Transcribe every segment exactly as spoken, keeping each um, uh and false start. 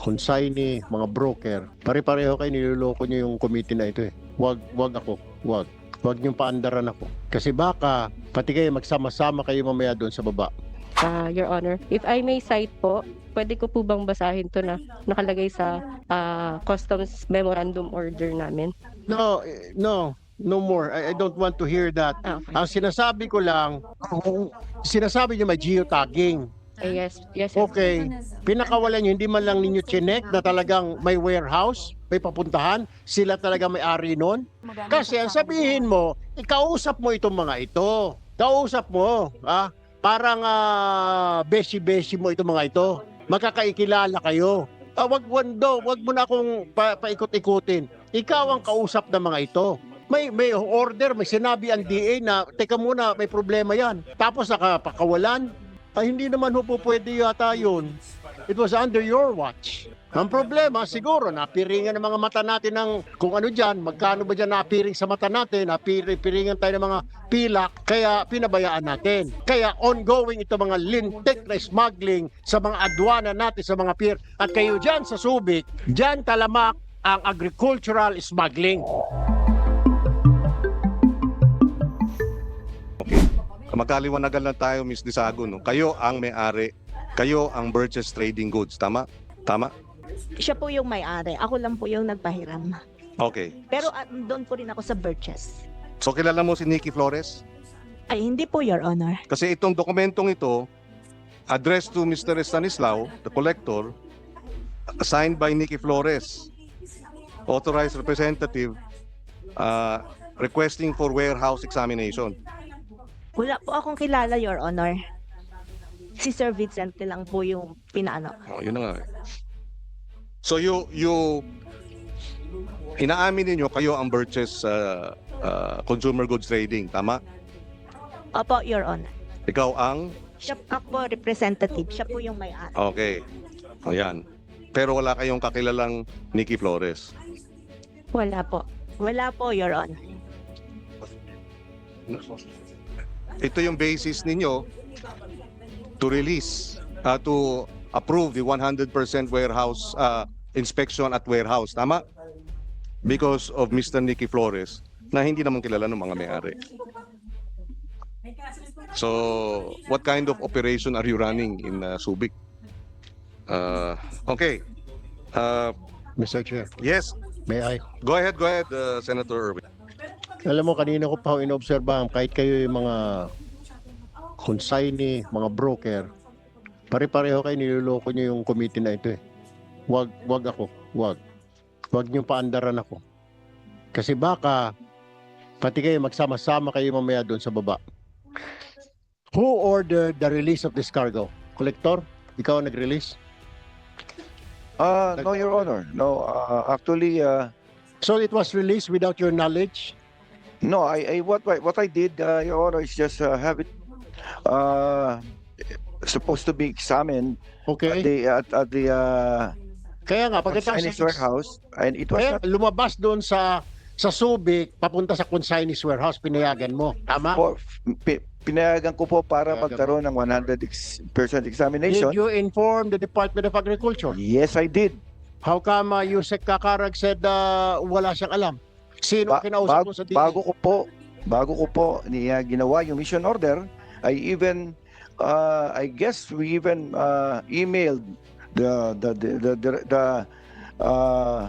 consignee, mga broker, pare-pareho kayo, niloloko nyo yung committee na ito eh. Wag, wag ako, wag. Wag niyong paandaran ako. Kasi baka, pati kayo magsama-sama kayo mamaya doon sa baba. Ah, Your Honor, if I may cite po, pwede ko po bang basahin to na nakalagay sa ah, Customs Memorandum Order namin? No, eh, no, no more. I, I don't want to hear that. Ah, okay. Ang sinasabi ko lang, kung sinasabi niyo may geotagging. Eh, yes, yes, sir. Okay, pinakawalan nyo, hindi man lang ninyo chinek na talagang may warehouse, may papuntahan, sila talaga may ari nun. Kasi ang sabihin mo, ikausap mo itong mga ito. Kausap mo, ah, parang ah, beshi-beshi mo itong mga ito. Magkakaikilala kayo. Ah, wag, wando, wag mo na akong pa, paikot-ikutin. Ikaw ang kausap ng mga ito. May may order, may sinabi ang D A na, teka muna, may problema yan. Tapos nakapakawalan. Ay, hindi naman ho po pwede yata yun. It was under your watch. Ang problema, siguro, napiringan ng mga mata natin ng kung ano dyan, magkano ba dyan napiring sa mata natin, napiringan tayo ng mga pilak, kaya pinabayaan natin. Kaya ongoing ito mga lintik na smuggling sa mga adwana natin, sa mga pier. At kayo dyan sa Subic, dyan talamak ang agricultural smuggling. Magkaliwanagan lang tayo, Miz Disago, no? Kayo ang may-ari, kayo ang Burgess Trading Goods, tama? Tama? Siya po yung may-ari. Ako lang po yung nagpahiram. Okay. Pero uh, doon po rin ako sa Birches. So kilala mo si Nikki Flores? Ay, hindi po, Your Honor. Kasi itong dokumentong ito, addressed to Mister Stanislao, the collector, signed by Nikki Flores, authorized representative, uh, requesting for warehouse examination. Wala po akong kilala, Your Honor. Si Sir Vicente lang po yung pinaano. Oh, yun na nga. eh. So you, you, inaamin ninyo kayo ang Burgess uh, uh, Consumer Goods Trading, tama? Opo, Your Honor. Ikaw ang, Siya ako representative. Siya po yung may-ari. okay, ayan. Pero wala kayong kakilalang Nikki Flores. Wala po. Wala po, Your Honor. Ito yung basis ninyo to release, uh, to approve the one hundred percent warehouse uh, inspection at warehouse, tama? Because of Mister Nikki Flores na hindi naman kilala ng mga may-ari. So, what kind of operation are you running in uh, Subic? Uh, okay. Uh, Mister Chair, yes, may I? go ahead, go ahead, uh, Senator Erwin. Alam mo, kanina ko pa ho inobserbahan, kahit kayo yung mga consignee, mga broker, pare-pareho kayo, niloloko nyo yung committee na ito eh. Wag, wag ako, wag. Wag nyo paandaran ako. Kasi baka, pati kayo magsama-sama kayo mamaya doon sa baba. Who ordered the release of this cargo? Collector? Ikaw ang nag-release? Uh, no, Your Honor. No, uh, actually, uh, So it was released without your knowledge? no. I, I what I- what I did, uh, Your Honor, is just uh, have it uh, supposed to be examined at Okay. the at, at the uh, Kaya nga, pagkatapos Chinese warehouse, and it was kaya not lumabas doon sa sa Subic, papunta sa consignee's warehouse, pinayagan mo. Tama? for, pi- pinayagan ko po para Pinayagan magkaroon ng one hundred percent examination. Did you inform the Department of Agriculture? Yes, I did. How come uh, Yusek Kakarag said uh, wala siyang alam? Sino ang Ba- kinausap bag- mo sa D A? bago ko po, bago ko po niya ginawa yung mission order, I even, uh, I guess we even uh, emailed the the the the, the, the uh,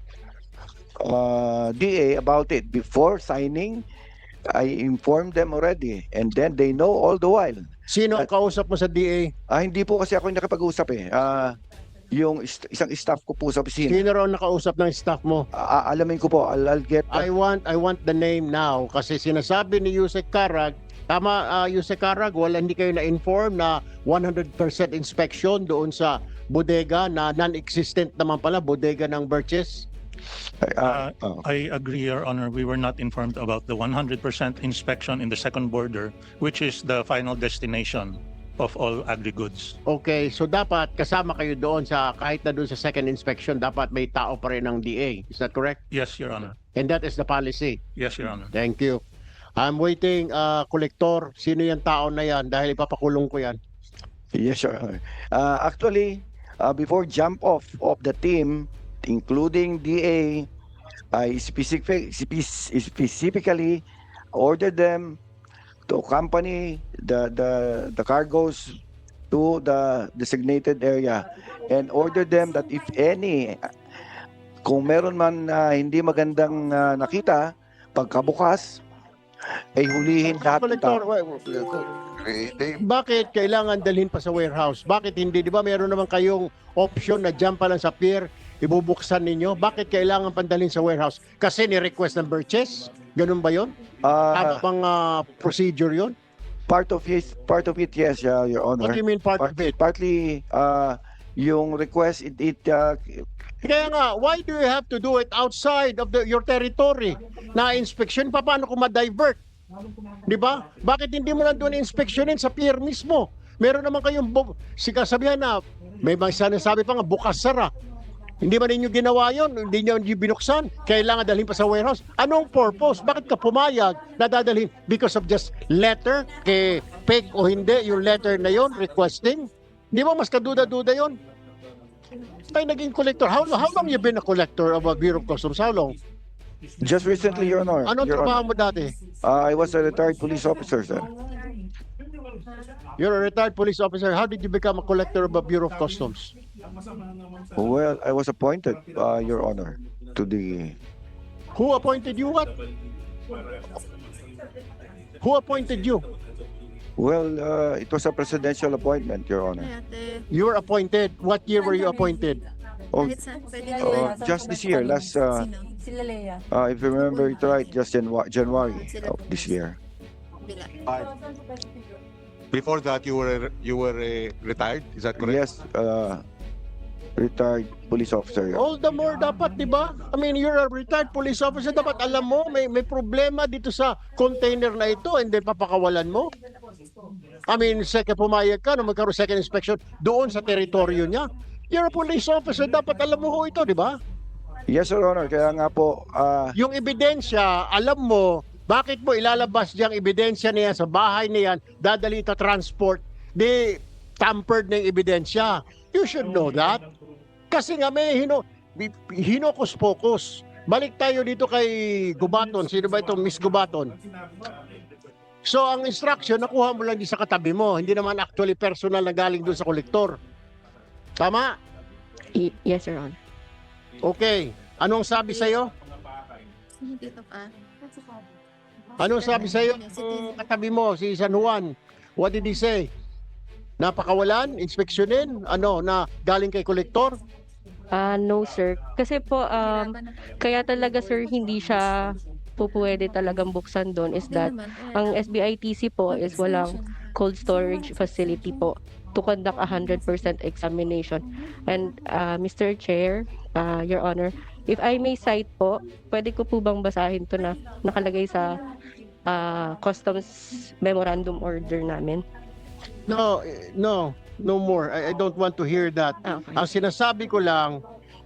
uh, D A about it before signing. I informed them already, and then they know all the while. Sino ang kausap mo sa D A? Ah, hindi po kasi ako yung nakipag-usap eh. Ah, yung ist- isang staff ko po sa opisina. Sino raw nakausap ng staff mo? Ah, alamin ko po, I'll, I'll get I want I want the name now kasi sinasabi ni Yusek Karag, tama uh, Yusek Karag, wala hindi kayo na-inform na one hundred percent inspection doon sa bodega na non-existent naman pala, bodega ng Birches. Ah, oh. I agree, Your Honor. We were not informed about the one hundred percent inspection in the second border, which is the final destination of all agri-goods. Okay, so dapat kasama kayo doon sa kahit na doon sa second inspection, dapat may tao pa rin ng D A. Is that correct? Yes, Your Honor. And that is the policy. Yes, Your Honor. Thank you. I'm waiting, uh, Collector. Sino yung tao na yan? Dahil ipapakulong ko yan. Yes, sir. Uh, actually, uh, before jump off of the team, including D A, I specific, spe- specifically ordered them to accompany the, the, the cargoes to the designated area and ordered them that if any, kung meron man na hindi magandang uh, nakita, pagkabukas, ay hulihin lahat ng Collector, tao. wa- Eh, they- bakit kailangan dalhin pa sa warehouse? Bakit hindi? Di ba meron naman kayong option na dyan pa lang sa pier, ibubuksan ninyo? Bakit kailangan pandalhin sa warehouse? Kasi ni-request ng purchase? Ganun ba yun? Ah, Ano pang ah, procedure yun? part of it, part of it, yes, uh, Your What Honor. do you mean part of Part- it? Partly, uh, yung request, it, it uh, Kaya nga, why do you have to do it outside of the, your territory? Na inspection, pa paano kung ma-divert? Di ba? Bakit hindi mo lang doon inspeksyonin sa pier mismo? Meron naman kayong bu- sikasabihan na may mga sinasabi pa nga bukas sara. Hindi man ninyo ginawa yon, hindi nyo hindi binuksan, kailangan dalhin pa sa warehouse. Anong purpose? Bakit ka pumayag na dadalhin? Because of just letter, kay fake o hindi, yung letter na yon requesting? Di ba mas kaduda-duda yon? Tayo naging collector. How, how long you been a collector of a Bureau of Customs? How long? just recently, Your Honor. Anong Your trabaho Honor, mo dati? uh, I was a retired police officer, sir. You're a retired police officer. How did you become a collector of a Bureau of Customs? Well, I was appointed, uh, Your Honor, to the Who appointed you what? Who appointed you? well, uh, it was a presidential appointment, Your Honor. You were appointed. What year were you appointed? Oh, uh, just this year, last, uh, Sila Lea. uh, if you remember it right, just Janu- January of this year. Before that, you were you were uh, retired. Is that correct? Yes, uh, retired police officer. Your All the more dapat, di ba? I mean, you're a retired police officer. Dapat alam mo, may, may problema dito sa container na ito and then papakawalan mo. I mean, second pumayag ka na magkaroon second inspection doon sa teritoryo niya. You're a police officer. Dapat alam mo ho ito, di ba? Yes, Your Honor. Kaya nga po, uh, Yung ebidensya, alam mo, bakit mo ilalabas diyang ebidensya niya sa bahay niyan, dadali ito transport, di tampered na yung ebidensya. You should know that. Kasi nga may hino, hinokus-pokus. Balik tayo dito kay Gubaton. Sino ba ito? Miss Gubaton. So ang instruction, nakuha mo lang di sa katabi mo. Hindi naman actually personal na galing doon sa kolektor. Tama? Y- yes, Your Honor. Okay. Anong sabi sa'yo? Dito pa. Anong sabi sa'yo? Ang katabi mo, si San Juan. What did he say? Napakawalan? Inspeksyonin? Ano, na galing kay kolektor? Ah, no, sir. Kasi po, um, kaya talaga, sir, hindi siya po pwede talagang buksan doon is that ang S B I T C po is walang cold storage facility po to conduct a one hundred percent examination. And uh, Mister Chair, uh, Your Honor, if I may cite po, pwede ko po bang basahin to na nakalagay sa uh, Customs Memorandum Order namin? No, eh, no, no more. I, I don't want to hear that. Ah, okay. Ang sinasabi ko lang,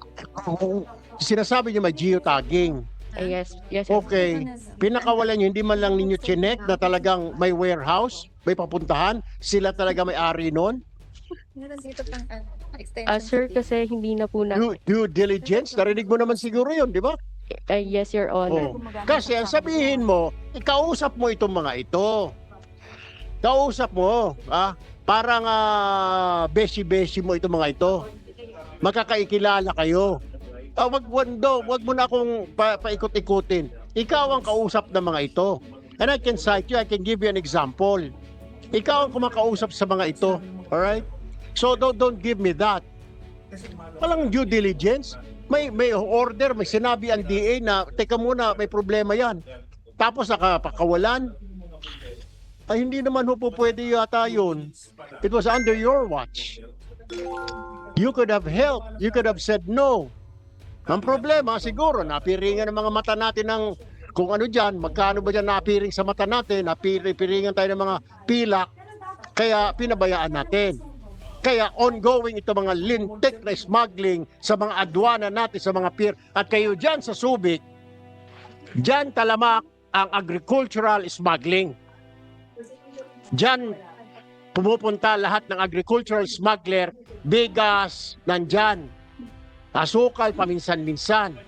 sinasabi niyo may geotagging. Ah, yes, yes, Your Okay, pinakawalan niyo, hindi man lang ninyo chinek na talagang may warehouse, may papuntahan, sila talaga may ari nun. Meron dito pang ano, extension. Ah, sir, kasi hindi na po na... Due, due diligence, narinig mo naman siguro yun, di ba? Ah, yes, Your Honor. Oh. Kasi ang sabihin mo, ikausap mo itong mga ito. Kausap mo, ah, parang ah, beshi-beshi mo itong mga ito. Magkakaikilala kayo. Ah, wag, wag, do, wag mo na akong pa, paikot-ikutin. Ikaw ang kausap ng mga ito. And I can cite you, I can give you an example. Ikaw ang kumakausap sa mga ito. Alright? So don't, don't give me that. Walang due diligence. May may order, may sinabi ang D A na, teka muna, may problema yan. Tapos nakapakawalan. Ay, hindi naman ho po pwede yata yun. It was under your watch. You could have helped. You could have said no. Ang problema, siguro, napiringan ng mga mata natin ng kung ano dyan, magkano ba dyan napiring sa mata natin, napiringan tayo ng mga pilak, kaya pinabayaan natin. Kaya ongoing ito mga lintik na smuggling sa mga adwana natin, sa mga pier. At kayo dyan sa Subic, dyan talamak ang agricultural smuggling. Dyan pumupunta lahat ng agricultural smuggler bigas, nandyan. Asukal, paminsan-minsan.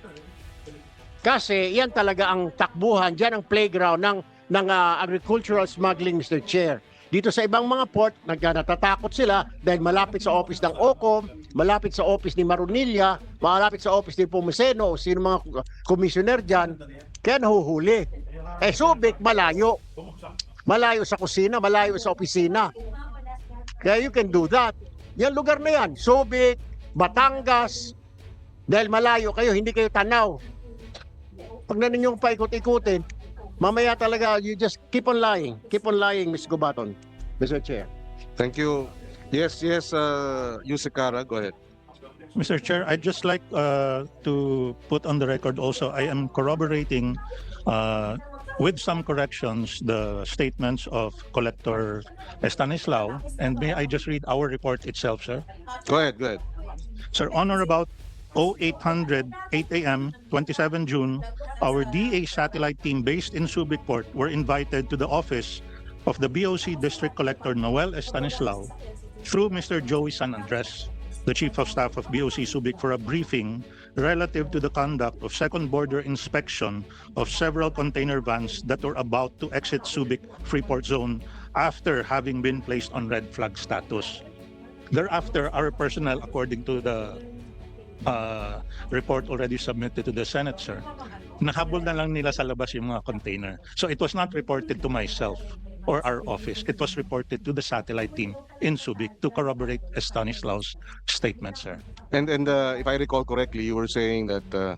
Kasi yan talaga ang takbuhan, dyan ang playground ng, ng ah, agricultural smuggling, Mister Chair. Dito sa ibang mga port, nagka- natatakot sila dahil malapit sa office ng O C O M, malapit sa office ni Marunilla, malapit sa office ni Pumeseno, sino mga commissioner dyan, kaya nahuhuli. Eh, Subic, malayo. Malayo sa kusina, malayo sa opisina. Kaya you can do that. Yan lugar na yan, Subic, Batangas, dahil malayo kayo, hindi kayo tanaw. Pag na ninyong paikot-ikutin, mamaya talaga, you just keep on lying. Keep on lying, Miz Gubaton. Mister Chair. Thank you. Yes, yes, uh, Yusek Kara, go ahead. Mister Chair, I'd just like uh, to put on the record also, I am corroborating uh, with some corrections the statements of Collector Estanislao. And may I just read our report itself, sir? Go ahead, go ahead. Sir, on or about oh eight hundred, eight a m, twenty-seventh June, our D A satellite team based in Subic Port were invited to the office of the B O C District Collector Noel Estanislao through Mister Joey San Andres, the Chief of Staff of B O C Subic, for a briefing relative to the conduct of second border inspection of several container vans that were about to exit Subic Freeport Zone after having been placed on red flag status. Thereafter, our personnel, according to the uh, report already submitted to the Senate, sir, nahabol na lang nila sa labas yung mga container. So it was not reported to myself or our office. It was reported to the satellite team in Subic to corroborate Estanislao's statement, sir. And and uh, if I recall correctly, you were saying that uh,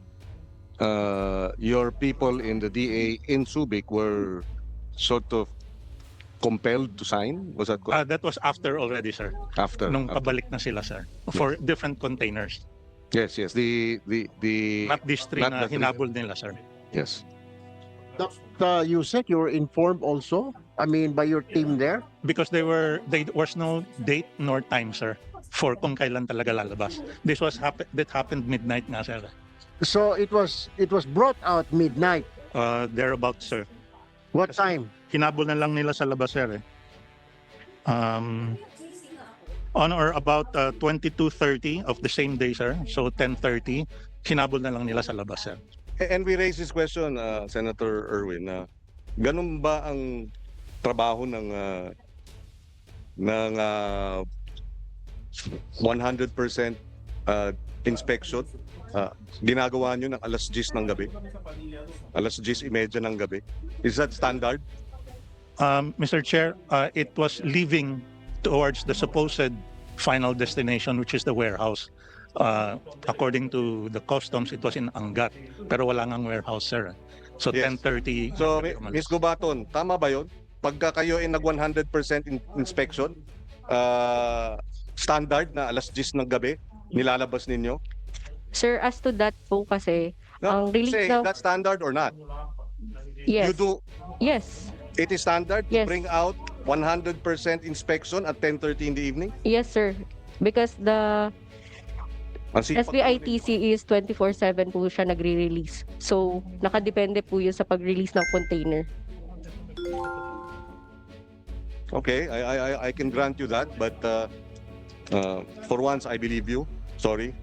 uh, your people in the D A in Subic were sort of compelled to sign. Was that Uh, correct? that was after already, sir. after? Nung after. pabalik na sila, sir, for different containers. Yes, yes. The the the Not these three Not na the three. hinabol nila, sir. yes. Doctor Yusek, you were informed also? I mean, by your team there? Because they were, there was no date nor time, sir, for kung kailan talaga lalabas. This was happen that happened midnight nga, sir. So it was it was brought out midnight. Uh, thereabouts, sir. What Kasi- time? Hinabol na lang nila sa labas, sir. Eh. Um, on or about uh, twenty-two thirty of the same day, sir. So ten thirty, hinabol na lang nila sa labas, sir. A- And we raised this question, uh, Senator Erwin, na ganun ba ang trabaho ng uh, ng uh, one hundred percent uh, inspection? Uh, ginagawa nyo ng alas diyes ng gabi? Alas diyes imedya ng gabi? Is that standard? Um, Mister Chair, uh, it was leaving towards the supposed final destination, which is the warehouse. Uh, according to the customs, it was in Angat, pero wala ngang warehouse, sir. So Yes. ten thirty. So, Mi- Miz Gubaton, tama ba yun? Pagka kayo ay nag one hundred percent in- inspection, uh, standard na alas diyes ng gabi, nilalabas ninyo? Sir, as to that po kasi, No, Ang release say, ng- that's standard or not? yes, You do, yes, it is standard to Yes. bring out one hundred percent inspection at ten thirty in the evening? yes, sir. Because the Ang sipag- S B I T C is twenty-four seven po siya nagre-release. So, nakadepende po yun sa pag-release ng container. Okay, I, I, I- I can grant you that, but uh, uh, for once, I believe you. Sorry.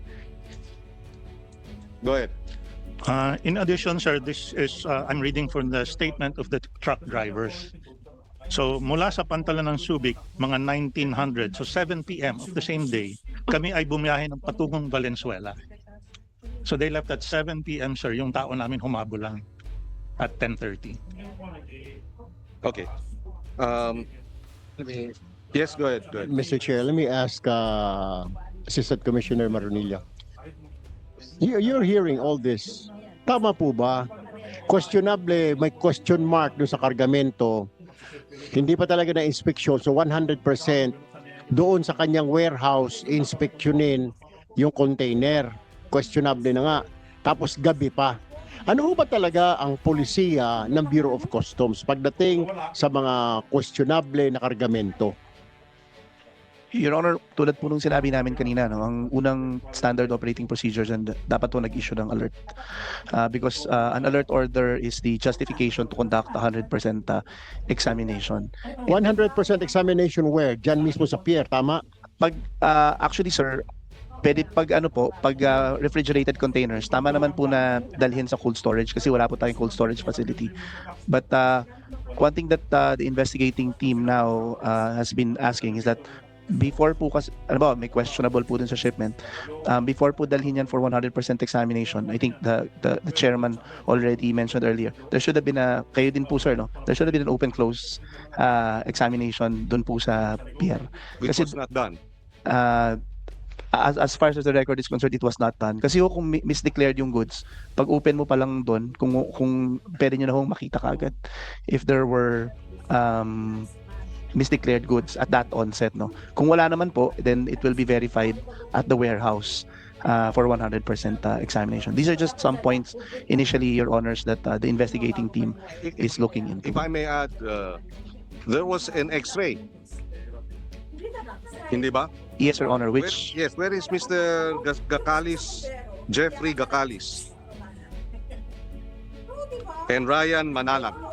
Go ahead. Uh, in addition, sir, this is, uh, I'm reading from the statement of the truck drivers. So, mula sa Pantalan ng Subic, mga nineteen hundred, so seven p m of the same day, kami ay bumiyahe ng patungong Valenzuela. So, they left at seven p m, sir, yung tao namin humabol lang at ten thirty. Okay. Um, yes, go ahead. Go ahead. Mister Chair, let me ask uh, Assistant Commissioner Marunilla. You, you're hearing all this. Tama po ba? Questionable, may question mark doon sa kargamento. Hindi pa talaga na inspeksyon. So one hundred percent doon sa kanyang warehouse, inspeksyonin yung container. Questionable na nga. Tapos gabi pa. Ano ho ba talaga ang polisiya ng Bureau of Customs pagdating sa mga questionable na kargamento? Your Honor, tulad po nung sinabi namin kanina, no, ang unang standard operating procedures and dapat po nag-issue ng alert. Uh, because uh, an alert order is the justification to conduct one hundred percent uh, examination. one hundred percent examination where? Diyan mismo sa pier, tama? pag ah, actually sir, pwede pag ano po, pag ah, refrigerated containers, tama naman po na dalhin sa cold storage kasi wala po tayong cold storage facility. But uh, one thing that uh, the investigating team now uh, has been asking is that before po kasi, ano ba, may questionable po dun sa shipment. Um, before po dalhin yan for one hundred percent examination, I think the, the the chairman already mentioned earlier, there should have been a, kayo din po sir, no? There should have been an open-close uh, examination dun po sa P R. Which Kasi- was not done. Uh, as, as far as the record is concerned, it was not done. Kasi ho, kung mi- misdeclared yung goods, pag open mo pa lang doon, kung, kung pwede nyo na hong makita kagad if there were um, misdeclared goods at that onset. No? Kung wala naman po, then it will be verified at the warehouse uh, for one hundred percent uh, examination. These are just some points initially, Your Honors, that uh, the investigating team is looking into. If I may add, uh, there was an X-ray. Hindi ba? Yes, Your Honor, Where- which yes, where is Mister Gas- Gakalis, Jeffrey Gakalis? And Ryan Manalang.